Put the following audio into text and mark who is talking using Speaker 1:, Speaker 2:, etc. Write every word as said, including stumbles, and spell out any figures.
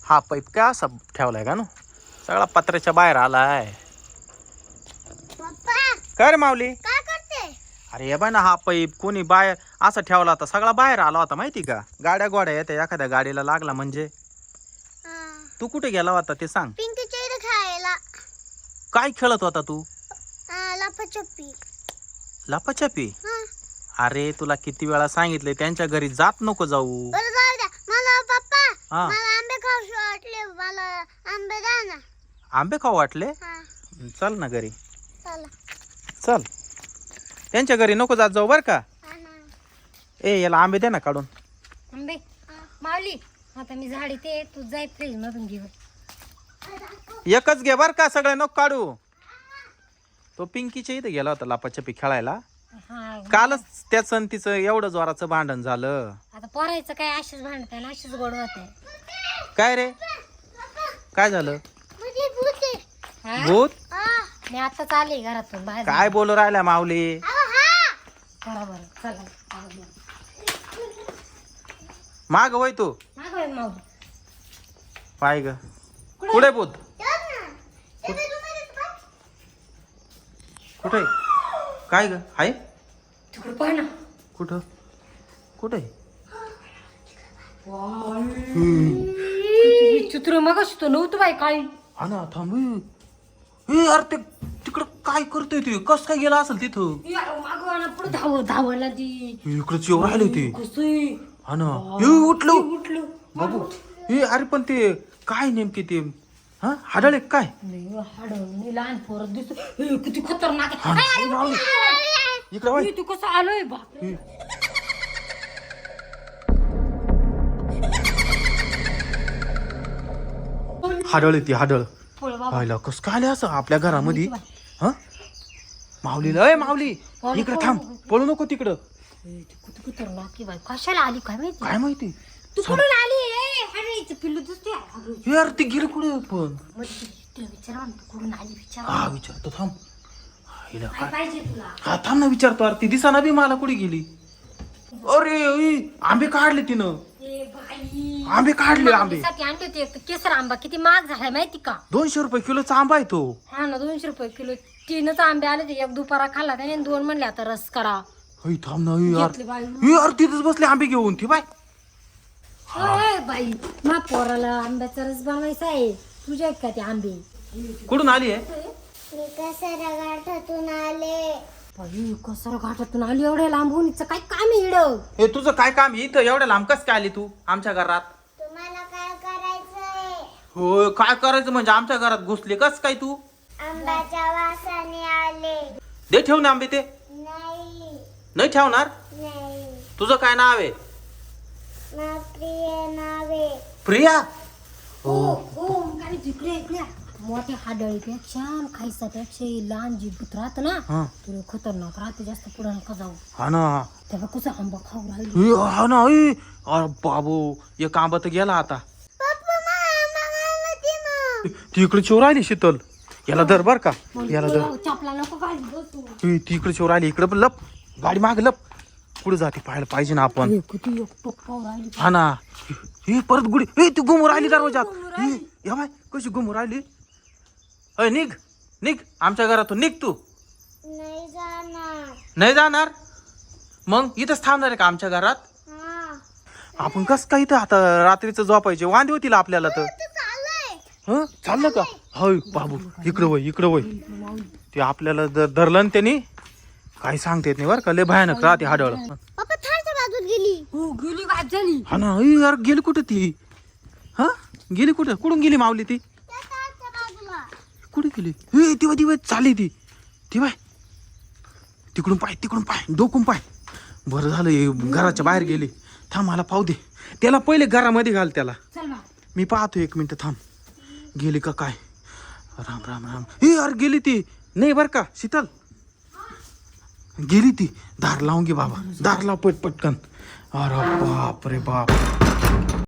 Speaker 1: हा पाईप काय असा ठेवलाय का नो सगळा पत्र्याच्या बाहेर आलाय. काय रे माऊली
Speaker 2: काय करते?
Speaker 1: अरे हे बाय ना हा पाईप कोणी बाहेर असा ठेवला होता सगळा बाहेर आला होता माहिती का. गाड्या गोड्या येत्या एखाद्या गाडीला लागला म्हणजे. तू कुठे गेला होता ते सांग.
Speaker 2: पिंकीच्या इथे खायला.
Speaker 1: काय खेळत होता तू?
Speaker 2: लपाछपी.
Speaker 1: लपाछपी? अरे तुला किती वेळा सांगितले त्यांच्या घरी जात नको जाऊ.
Speaker 2: मला पप्पा
Speaker 1: हा.
Speaker 2: मला आंबे खाऊशी वाटले. मला आंबे द्या ना.
Speaker 1: आंबे खाऊ वाटले?
Speaker 2: हा.
Speaker 1: चल ना घरी.
Speaker 2: चला.
Speaker 1: चल त्यांच्या घरी नको जात जाऊ बर का.
Speaker 2: हा ना.
Speaker 1: ए याला आंबे दे ना काढून.
Speaker 3: आंबे माऊली आता मी झाडी ते तू जाय फ्रीज मधून घेऊन.
Speaker 1: एकच घे बर का सगळे नको काढू. तो पिंकीच्या इथे गेला होता लपाछपी खेळायला.
Speaker 3: हा
Speaker 1: कालच त्या संतीचं एवढं जोराचं भांडण झालं.
Speaker 3: आता पोरायचं काय अशीच भांडत आहे ना अशीच गोड होत आहे.
Speaker 1: काय रे काय झालं?
Speaker 2: म्हणजे भूत आहे.
Speaker 3: हा?
Speaker 1: भूत?
Speaker 2: हा.
Speaker 3: मी आताच आले घरातून बाहेर.
Speaker 1: काय बोलू राहिला माऊली?
Speaker 3: बरोबर चला
Speaker 1: माग वय तू
Speaker 3: मागवाय माऊली.
Speaker 1: पाय ग कुठे भूत? कुठे काय ग हाय
Speaker 3: तिकडे पाह ना.
Speaker 1: कुठं कुठे?
Speaker 3: चित्र मग तो नव्हतं बाई काळी.
Speaker 1: हा ना थांब ए अरे ते तिकडं काय करतोय ते कस काय गेला असेल तिथं?
Speaker 3: मागवाना पुढे धाव धावायला ती
Speaker 1: इकडे येऊ राहिले ते.
Speaker 3: कसं
Speaker 1: हा ना ए उठलो
Speaker 3: उठलं
Speaker 1: बाबू. ए अरे पण ते काय नेमके ते हा हाडळे काय?
Speaker 3: हाड लहान पोरं दिसत किती खतरनाक
Speaker 1: हा ना, ए, राहुल. इकडे वळ.
Speaker 3: तू कसं आलोय बा.
Speaker 1: हाडळ ती हाडळ
Speaker 3: पळ बाबा.
Speaker 1: पाहिलं कस काय आले असं आपल्या घरामध्ये. हा माऊलीला ए माऊली इकडे थांब पळू नको तिकडं.
Speaker 3: किती खतरनाक की बाई कशाला आली काय माहिती.
Speaker 1: काय माहिती
Speaker 3: तू कुठून आली ए हाडायचं पिल्लू दिसते.
Speaker 1: यार ती गेली कुठे पण.
Speaker 3: विचारा तू कुठून आली विचार.
Speaker 1: हा विचारतो थांब. हिला
Speaker 3: काय
Speaker 1: काय
Speaker 3: पाहिजे तुला.
Speaker 1: हा थांब ना विचारतो. अरे ती दिसाना बी मला कुठे गेली. अरे ई, आंबे काढले तिनं.
Speaker 3: ए बाई
Speaker 1: आंबे काढले आंबे.
Speaker 3: साठी आणले होते एक केसर आंबा किती महाग झालाय माहिती का.
Speaker 1: दोनशे रुपये किलोचा आंबा आहे तो.
Speaker 3: हा ना दोनशे रुपये किलो. तीनच आंबे आले ते एक दुपारा खाल्ला त्याने दोन म्हणले आता रस करा.
Speaker 1: हई थांब ना ई, यार
Speaker 3: घेतले बाई.
Speaker 1: ई, यार तिथेच बसले आंबे घेऊन ती बाय.
Speaker 3: अय बाई मा पोराला आंब्याचा रस बनवायचा आहे. तुझ्या का ते आंबे
Speaker 1: कुठून आली आहे?
Speaker 2: मी कसारा गाठातून आले.
Speaker 3: बाई कसं घाटातून आली एवढ्या लांबून हिचं काय काम आहे इडं.
Speaker 1: हे तुझं काय काम आहे इथं एवढ्या लांब कस काय आली तू आमच्या घरात?
Speaker 2: तुम्हाला काय करायचंय?
Speaker 1: हो काय करायचं म्हणजे आमच्या घरात घुसली कस काय तू?
Speaker 2: आंब्याच्या वासाने आले.
Speaker 1: दे ठेवून आंबे ते.
Speaker 2: नाही
Speaker 1: नाही ठेवणार.
Speaker 2: नाही.
Speaker 1: तुझं काय नाव आहे?
Speaker 2: ना प्रिय नावे.
Speaker 1: प्रिया.
Speaker 3: हो हो काय तिकडे इकडे मोठ्या हाडळीपेक्षा खायसापेक्षा लहान जी भूत राहत ना
Speaker 1: हा
Speaker 3: तुला खतरनाक राहते. जास्त पुढे नका जाऊ.
Speaker 1: हा ना
Speaker 3: तेव्हा कसं आंबा खाऊ राहिली.
Speaker 1: ए, हा ना ए. अरे बाबू एक आंबा तर गेला आता.
Speaker 2: पप्पा मामा ती
Speaker 1: ती इकडे चोर आली शीतल. याला धर बर का याला धर.
Speaker 3: चपला नको घाली बसू.
Speaker 1: ए, ती इकडे चोर आली इकडे पण लप गाडी माग लप. पुढे जाते पाहायला पाहिजे ना आपण.
Speaker 3: किती एकटोक खाऊ राहिली.
Speaker 1: हा ना हे परत गुडी ए ती गुमूर राहिली दरवाजात. ए, या बाय कशी गुमूर राहिली. अय निघ निघ आमच्या घरातून निघ तू.
Speaker 2: नाही जाणार.
Speaker 1: नाही जाणार मग इथंच थांबणार आहे का आमच्या घरात?
Speaker 2: हा.
Speaker 1: आपण कस काय इथं आता रात्रीचं झोपायचे वांदे होतील आपल्याला तर.
Speaker 2: तू चाललंय.
Speaker 1: हं चाललं का? होय बाबू इकडं वय इकडं वय. ते आपल्याला जर धरलं ना त्यांनी काही सांगता येत नाही बरं का. लय भयानक राहते हाडळ.
Speaker 2: पप्पा थारच्या बाजूत गेली.
Speaker 3: हो गेली गायब झाली.
Speaker 1: हा ना ए, यार गेली कुठं ती? हा गेली कुठं कुठून गेली मावली ती?
Speaker 2: त्या थारच्या बाजूला.
Speaker 1: कुठे गेली? ए ती बाय ती बाय चालली ती ती बाय. तिकडून पाय तिकडून पाय डोकून पाय. बरं झालं हे घराच्या बाहेर गेली. थांब मला पाहू दे. त्याला पहिले घरामध्ये घाल त्याला.
Speaker 3: चल बा.
Speaker 1: मी पाहतो एक मिनिट थांब. गेली का काय? राम राम राम. ए यार गेली ती. नाही बर का शीतल गेली ती. दार लावून घे बाबा दार लाव पट पटकन. अरे बाप रे बाप.